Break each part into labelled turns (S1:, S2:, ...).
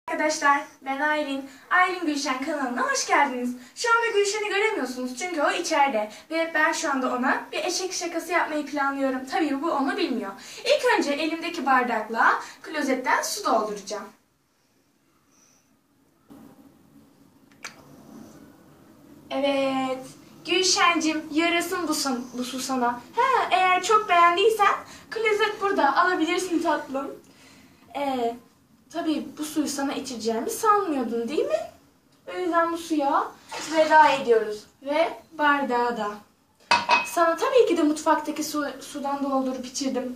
S1: Arkadaşlar, ben Aylin. Aylin Gülşen kanalına hoş geldiniz. Şu anda Gülşen'i göremiyorsunuz çünkü o içeride. Ve ben şu anda ona bir eşek şakası yapmayı planlıyorum. Tabii bu onu bilmiyor. İlk önce elimdeki bardakla klozetten su dolduracağım. Evet. Gülşencim, yarasın bu su sana. Eğer çok beğendiysen klozet burada, alabilirsin tatlım. Tabii bu suyu sana içireceğimi sanmıyordun değil mi? O yüzden bu suya veda ediyoruz. Ve bardağı da. Sana tabii ki de mutfaktaki sudan doldurup içirdim.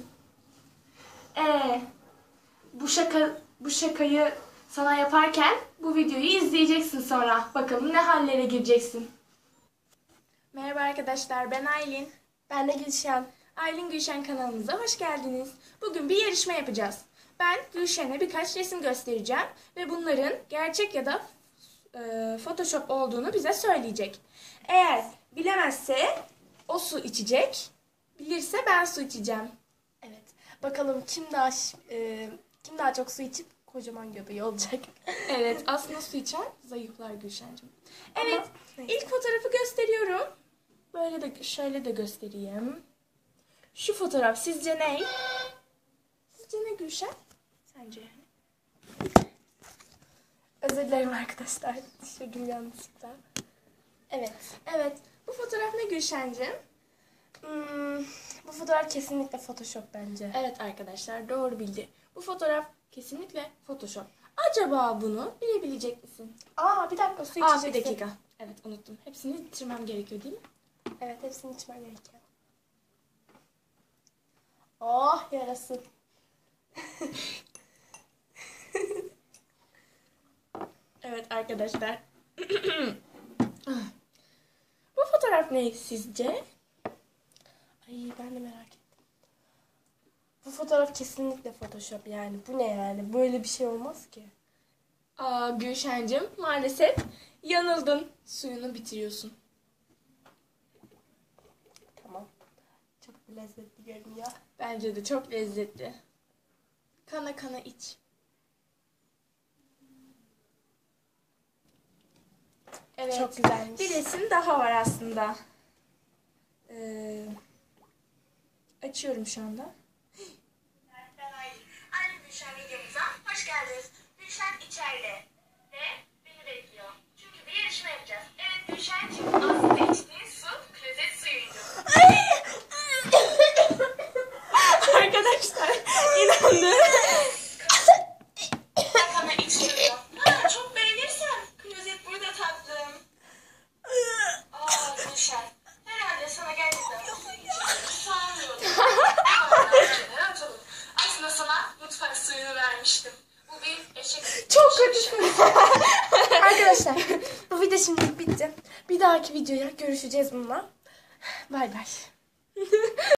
S1: Bu şakayı sana yaparken bu videoyu izleyeceksin sonra. Bakalım ne hallere gireceksin. Merhaba arkadaşlar, ben Aylin.
S2: Ben de Gülşen.
S1: Aylin Gülşen kanalımıza hoş geldiniz. Bugün bir yarışma yapacağız. Ben Gülşen'e birkaç resim göstereceğim ve bunların gerçek ya da Photoshop olduğunu bize söyleyecek. Eğer bilemezse o su içecek, bilirse ben su içeceğim.
S2: Evet. Bakalım kim daha çok su içip kocaman göbeği olacak.
S1: Evet, aslında su içen zayıflar Gülşen'cim. Evet,
S2: Ama
S1: ilk fotoğrafı gösteriyorum. Böyle de şöyle de göstereyim. Şu fotoğraf sizce ne? Sizce ne Gülşen? Sence yani?
S2: Özür dilerim arkadaşlar. Düşürdüm yanlışlıkla.
S1: Evet. Bu fotoğraf ne Gülşen'cim?
S2: Bu fotoğraf kesinlikle Photoshop bence.
S1: Evet arkadaşlar, doğru bildi. Bu fotoğraf kesinlikle Photoshop. Acaba bunu bilebilecek misin?
S2: Bir dakika, su
S1: Bir
S2: içeceksin.
S1: dakika. Evet, unuttum. Hepsini bitirmem gerekiyor değil mi?
S2: Evet, hepsini içmen gerekiyor. Oh, yarasın.
S1: Evet arkadaşlar. Bu fotoğraf ne sizce?
S2: Ay, ben de merak ettim. Bu fotoğraf kesinlikle Photoshop yani. Bu ne yani? Böyle bir şey olmaz ki.
S1: Gülşen'cim maalesef yanıldın. Suyunu bitiriyorsun.
S2: Tamam. Çok lezzetli görünüyor.
S1: Bence de çok lezzetli. Kana kana iç. Evet.
S2: Çok güzelmiş.
S1: Bir resim daha var aslında. Açıyorum şu anda. Ben Aylin Gülşen videomuza hoş geldiniz. Gülşen içeride ve beni bekliyor. Çünkü bir yarışma yapacağız. Evet Gülşen'cim, aslında içtiğin su klozet suyuydu. Arkadaşlar inandım. Kana içiyorum. Çok beğenirsen klozet burada tatlım. Gülşen. Herhalde sana gerçekten sanmıyordum. Rahat olun. Aslında sana mutfak suyunu vermiştim. Bu bir eşek.
S2: Çok kötü. Arkadaşlar, bu video şimdi bitti. Bir dahaki videoya görüşeceğiz bununla. Bay bay.